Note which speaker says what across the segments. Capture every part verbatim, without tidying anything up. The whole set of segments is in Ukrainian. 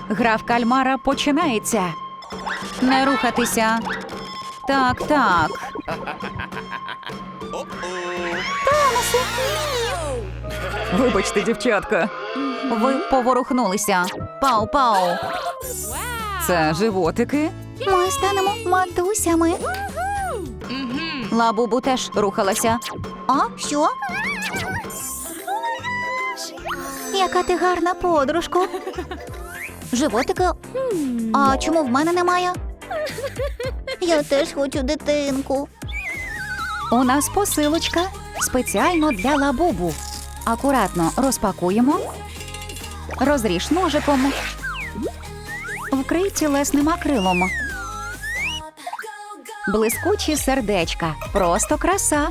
Speaker 1: Гра в кальмара починається. Не рухатися. Так, так.
Speaker 2: Томасе, ні!
Speaker 1: Вибачте, дівчатка. Ви поворухнулися. Пау-пау. Це животики.
Speaker 2: Ми станемо матусями.
Speaker 1: Лабубу теж рухалася.
Speaker 2: А, що? Яка ти гарна подружко. Животики? А чому в мене немає? Я теж хочу дитинку.
Speaker 1: У нас посилочка спеціально для Лабубу. Акуратно розпакуємо. Розріж ножиком. Вкрий тілесним акрилом. Блискучі сердечка. Просто краса.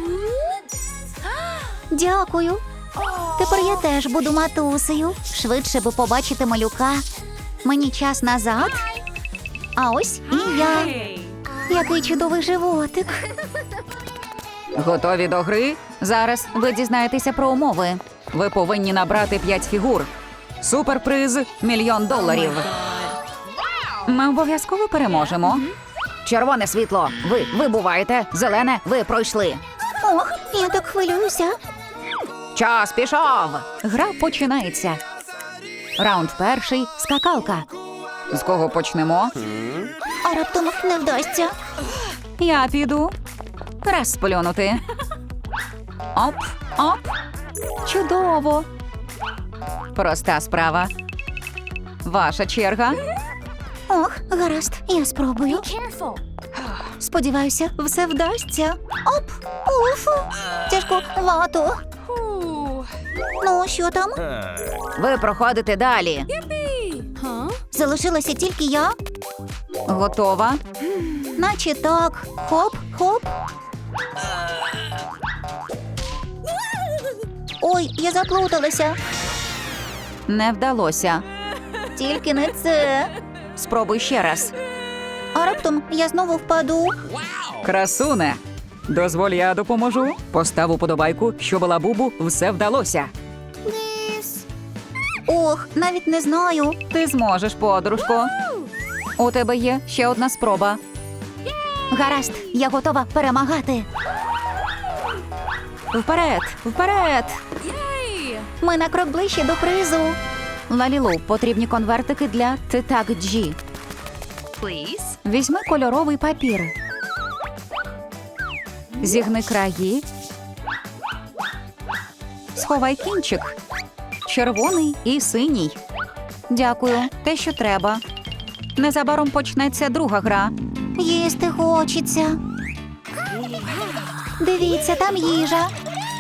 Speaker 2: Дякую. Тепер я теж буду матусею. Швидше би побачити малюка. Мені час назад. А ось і я. Який чудовий животик.
Speaker 1: Готові до гри? Зараз ви дізнаєтеся про умови. Ви повинні набрати п'ять фігур. Суперприз – мільйон доларів. Ми обов'язково переможемо. Червоне світло – ви вибуваєте, зелене – ви пройшли.
Speaker 2: Ох, я так хвилююся.
Speaker 1: Час пішов! Гра починається. Раунд перший – скакалка. З кого почнемо?
Speaker 2: А раптом не вдасться.
Speaker 1: Я піду. Раз сплюнути. Оп, оп. Чудово. Проста справа. Ваша черга.
Speaker 2: Ох, гаразд, я спробую. Сподіваюся, все вдасться. Оп, уф, тяжковато. Ну, що там?
Speaker 1: Ви проходите далі.
Speaker 2: Залишилася тільки я.
Speaker 1: Готова?
Speaker 2: Наче так. Хоп, хоп. Ой, я заплуталася.
Speaker 1: Не вдалося.
Speaker 2: Тільки не це.
Speaker 1: Спробуй ще раз.
Speaker 2: А раптом я знову впаду.
Speaker 1: Красуне. Дозволь, я допоможу. Постав уподобайку, щоб Лабубу все вдалося.
Speaker 2: Ох, навіть не знаю.
Speaker 1: Ти зможеш, подружко. У тебе є ще одна спроба.
Speaker 2: Гаразд, я готова перемагати.
Speaker 1: Вперед, вперед!
Speaker 2: Ми на крок ближче до призу.
Speaker 1: Лалілу, потрібні конвертики для Титак Джі. Візьми кольоровий папір. Зігни краї. Сховай кінчик. Червоний і синій. Дякую, те, що треба. Незабаром почнеться друга гра.
Speaker 2: Їсти хочеться. Дивіться, там їжа.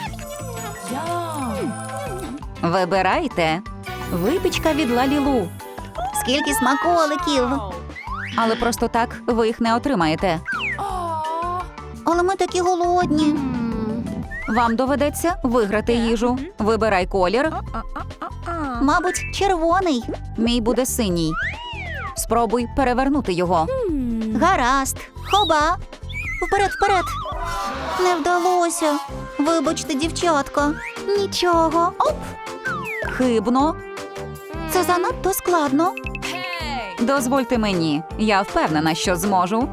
Speaker 1: Вибирайте. Випічка від Лалілу.
Speaker 2: Скільки смаколиків.
Speaker 1: Але просто так ви їх не отримаєте.
Speaker 2: Але ми такі голодні.
Speaker 1: Вам доведеться виграти їжу. Вибирай колір.
Speaker 2: Мабуть, червоний.
Speaker 1: Мій буде синій. Спробуй перевернути його.
Speaker 2: Гаразд. Хоба. Вперед, вперед. Не вдалося. Вибачте, дівчатка. Нічого. Оп.
Speaker 1: Хибно.
Speaker 2: Це занадто складно.
Speaker 1: Дозвольте мені. Я впевнена, що зможу.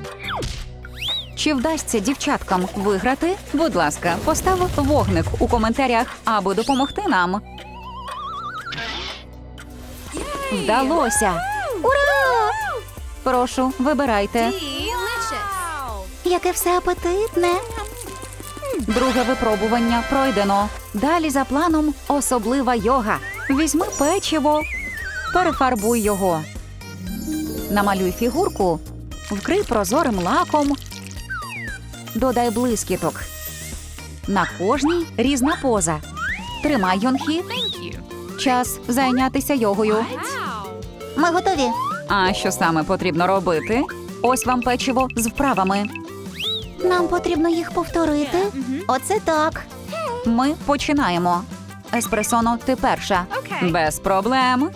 Speaker 1: Чи вдасться дівчаткам виграти? Будь ласка, постав вогник у коментарях, аби допомогти нам. Вдалося.
Speaker 2: Ура!
Speaker 1: Прошу, вибирайте.
Speaker 2: Яке все апетитне.
Speaker 1: Друге випробування пройдено. Далі за планом особлива йога. Візьми печиво, перефарбуй його. Намалюй фігурку, вкрий прозорим лаком. Додай блискіток. На кожній різна поза. Тримай, Йонхі. Час зайнятися йогою.
Speaker 2: Ми готові.
Speaker 1: А що саме потрібно робити? Ось вам печиво з вправами.
Speaker 2: Нам потрібно їх повторити. Оце так.
Speaker 1: Ми починаємо. Еспресоно, ти перша. Без проблем.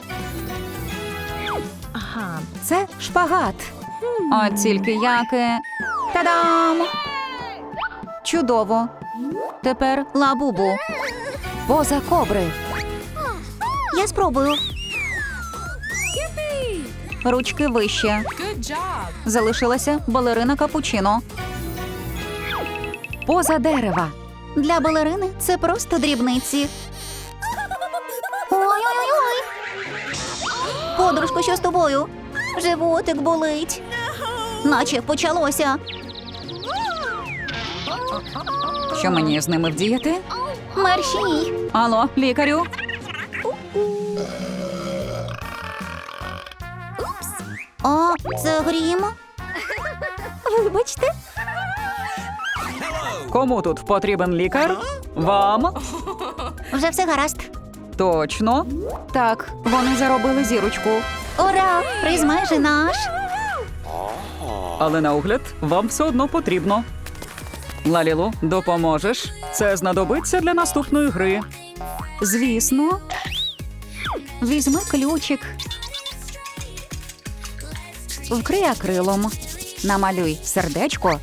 Speaker 1: Це шпагат. От тільки яке. Та-дам! Чудово. Тепер Лабубу. Поза кобри.
Speaker 2: Я спробую.
Speaker 1: Ручки вище. Залишилася балерина капучино. Поза дерева.
Speaker 2: Для балерини це просто дрібниці. Ой-ой-ой! Подружко, що з тобою? Животик болить. Наче почалося.
Speaker 1: Що мені з ними вдіяти?
Speaker 2: Мерщій.
Speaker 1: Алло, лікарю?
Speaker 2: О, це грім. Вибачте.
Speaker 1: Кому тут потрібен лікар? Вам?
Speaker 2: Вже все гаразд.
Speaker 1: Точно. Так, вони заробили зірочку.
Speaker 2: Ура! Приз майже наш.
Speaker 1: Але на огляд вам все одно потрібно. Лалілу, допоможеш? Це знадобиться для наступної гри. Звісно. Візьми ключик. Вкрий акрилом. Намалюй сердечко.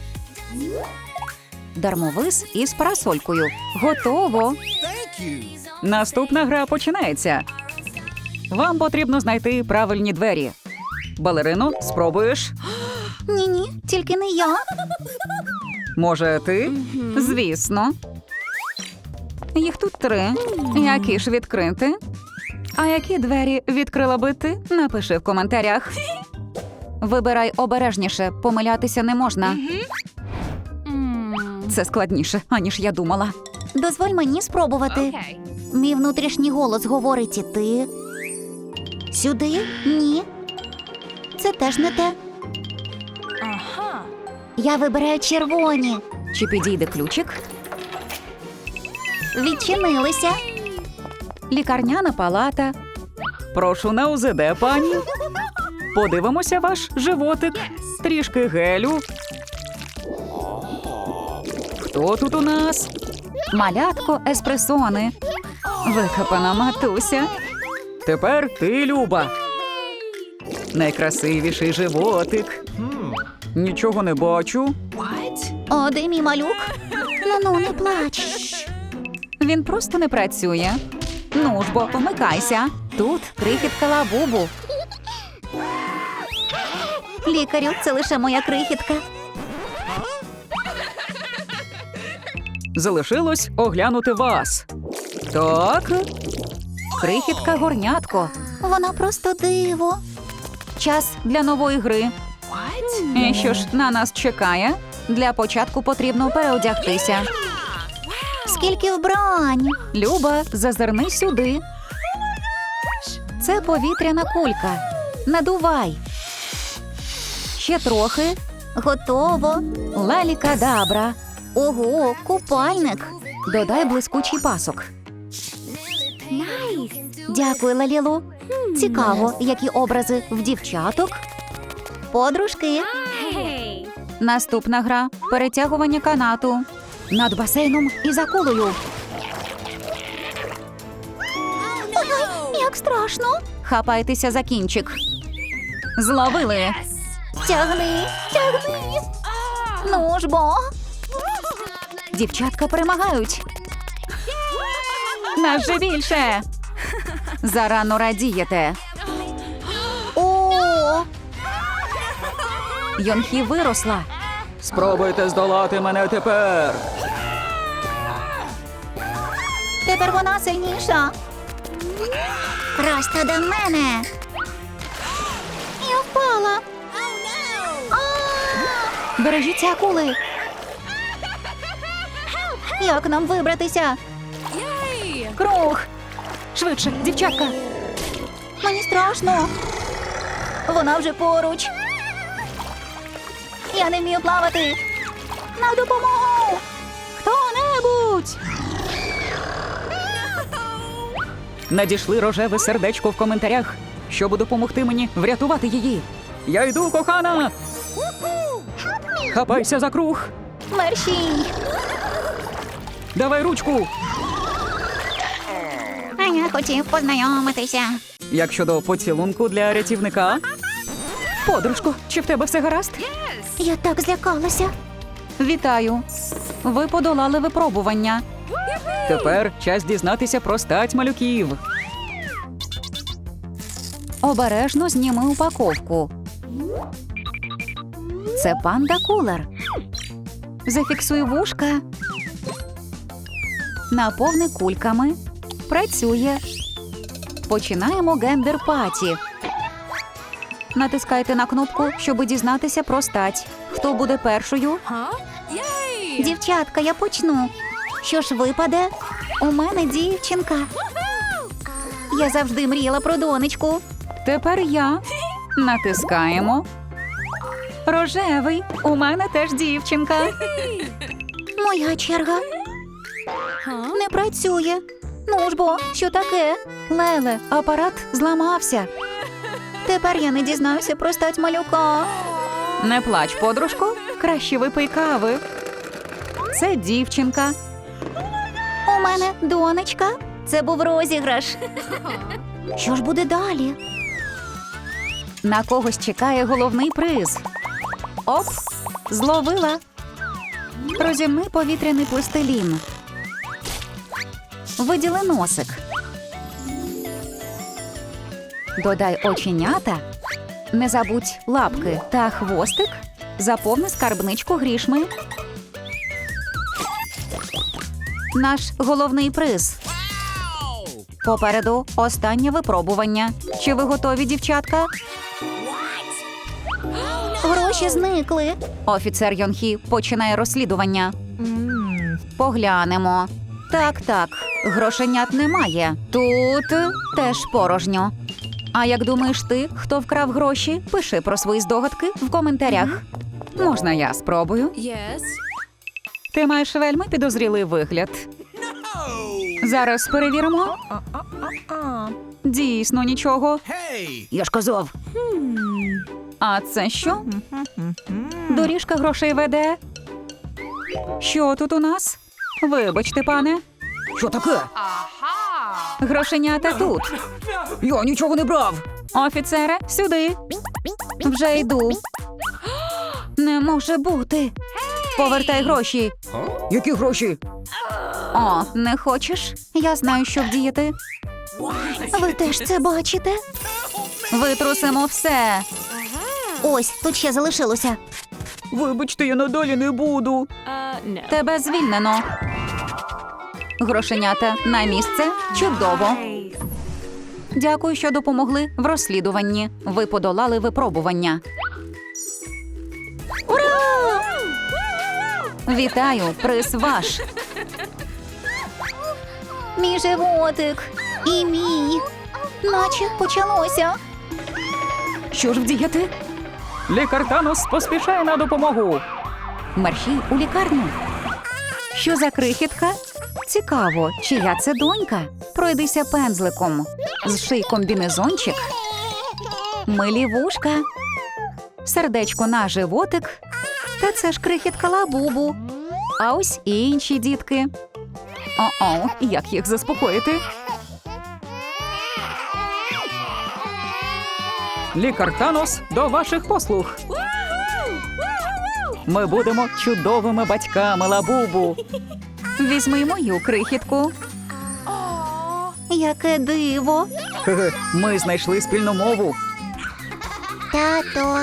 Speaker 1: Дармовис із парасолькою. Готово. Наступна гра починається. Вам потрібно знайти правильні двері. Балерину, спробуєш?
Speaker 2: Ні-ні, тільки не я.
Speaker 1: Може, ти? Звісно. Їх тут три. Які ж відкрити? А які двері відкрила би ти? Напиши в коментарях. Вибирай обережніше, помилятися не можна. Це складніше, аніж я думала.
Speaker 2: Дозволь мені спробувати. Мій внутрішній голос говорить іти. Сюди? Ні. Це теж не те. Я вибираю червоні.
Speaker 1: Чи підійде ключик?
Speaker 2: Відчинилися.
Speaker 1: Лікарняна палата. Прошу на У З Д, пані. Подивимося ваш животик. Трішки гелю. Хто тут у нас? Малятко еспресони. Викопана матуся. Тепер ти, Люба. Найкрасивіший животик. Нічого не бачу.
Speaker 2: О, де мій малюк? Ну-ну, не плач.
Speaker 1: Він просто не працює. Ну ж бо, помикайся. Тут крихітка Лабубу.
Speaker 2: Лікарю, це лише моя крихітка.
Speaker 1: Залишилось оглянути вас. Так. Крихітка горнятко.
Speaker 2: Вона просто диво.
Speaker 1: Час для нової гри. І що ж на нас чекає? Для початку потрібно переодягтися.
Speaker 2: Скільки вбрань.
Speaker 1: Люба, зазирни сюди. Це повітряна кулька. Надувай. Ще трохи.
Speaker 2: Готово.
Speaker 1: Лалікадабра.
Speaker 2: Ого, купальник.
Speaker 1: Додай блискучий пасок.
Speaker 2: Дякую, Лалілу. Цікаво, які образи в дівчаток. Подружки.
Speaker 1: Наступна гра – перетягування канату. Над басейном і за кулею.
Speaker 2: Ой, як страшно.
Speaker 1: Хапайтеся за кінчик. Зловили.
Speaker 2: Тягни, тягни. Ну ж бо.
Speaker 1: Дівчатка перемагають. Нас же більше. Зарано радієте.
Speaker 2: О,
Speaker 1: Йонхі виросла. Спробуйте здолати мене тепер.
Speaker 2: тепер вона сильніша. Просто до мене. Я впала. А,
Speaker 1: Бережіться акули.
Speaker 2: як нам вибратися?
Speaker 1: Круг. Швидше, дівчатка.
Speaker 2: Мені страшно. Вона вже поруч. Я не вмію плавати. На допомогу.
Speaker 1: Хто-небудь. Надійшли рожеве сердечко в коментарях, щоб допомогти мені врятувати її. Я йду, кохана. Хапайся за круг.
Speaker 2: Мерщій.
Speaker 1: Давай ручку.
Speaker 2: А я хотів познайомитися.
Speaker 1: Як щодо поцілунку для рятівника? Подружко, чи в тебе все гаразд?
Speaker 2: Я так злякалася.
Speaker 1: Вітаю. Ви подолали випробування. Тепер час дізнатися про стать малюків. Обережно зніми упаковку. Це панда-кулер. Зафіксуй вушка. Наповни кульками. Працює. Починаємо гендер-паті. Натискайте на кнопку, щоб дізнатися про стать. Хто буде першою?
Speaker 2: Дівчатка, я почну. Що ж випаде? У мене дівчинка. Я завжди мріяла про донечку.
Speaker 1: Тепер я. Натискаємо. Рожевий. У мене теж дівчинка.
Speaker 2: Моя черга. Не працює. Ну ж бо, що таке?
Speaker 1: Леле, апарат зламався.
Speaker 2: Тепер я не дізнаюся про стать малюка.
Speaker 1: Не плач, подружко. Краще випий кави. Це дівчинка.
Speaker 2: У мене донечка. Це був розіграш. Що ж буде далі?
Speaker 1: На когось чекає головний приз. Оп! Зловила. Розімни повітряний пластилін. Виділи носик. Додай оченята. Не забудь лапки та хвостик. Заповни скарбничку грішми. Наш головний приз. Попереду останнє випробування. Чи ви готові, дівчатка?
Speaker 2: Гроші зникли.
Speaker 1: Офіцер Йонхі починає розслідування. Поглянемо. Так, так, грошенят немає. Тут теж порожньо. А як думаєш ти, хто вкрав гроші? Пиши про свої здогадки в коментарях. Можна я спробую?
Speaker 3: Yes.
Speaker 1: Ти маєш вельми підозрілий вигляд. Зараз перевіримо. Дійсно нічого. Я ж казав. А це що? Доріжка грошей веде. Що тут у нас? Вибачте, пане. Що таке? Грошенята тут. Я нічого не брав. Офіцере, сюди. Вже йду. Не може бути. Повертай гроші. Які гроші? О, не хочеш? Я знаю, що вдіяти.
Speaker 2: Ви теж це бачите?
Speaker 1: Витрусимо все.
Speaker 2: Ось, тут ще залишилося.
Speaker 1: Вибачте, я надалі не буду.
Speaker 3: Uh, no.
Speaker 1: Тебе звільнено. Грошенята на місце. Чудово. Дякую, що допомогли в розслідуванні. Ви подолали випробування.
Speaker 2: Ура!
Speaker 1: Вітаю, приз ваш.
Speaker 2: Мій животик. І мій. Наче почалося.
Speaker 1: Що ж вдіяти? Лікар Танос поспішає на допомогу. Мерщій у лікарню. Що за крихітка? Цікаво, чия це донька? Пройдися пензликом. Зший комбінезончик. Милі вушка. Сердечко на животик. Та це ж крихітка Лабубу. А ось і інші дітки. О-о, як їх заспокоїти? Лікар Танос до ваших послуг. Ми будемо чудовими батьками, Лабубу. Візьми й мою крихітку.
Speaker 2: Яке диво.
Speaker 1: Хе-хе, ми знайшли спільну мову.
Speaker 2: Тато.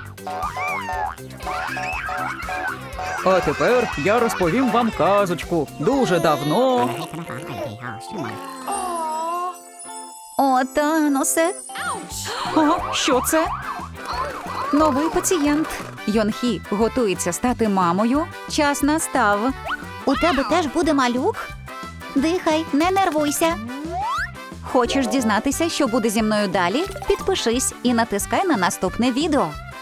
Speaker 1: А тепер я розповім вам казочку. Дуже давно.
Speaker 2: О, Таносе.
Speaker 1: О, що це? Новий пацієнт. Йонхі готується стати мамою. Час настав.
Speaker 2: У тебе теж буде малюк? Дихай, не нервуйся.
Speaker 1: Хочеш дізнатися, що буде зі мною далі? Підпишись і натискай на наступне відео.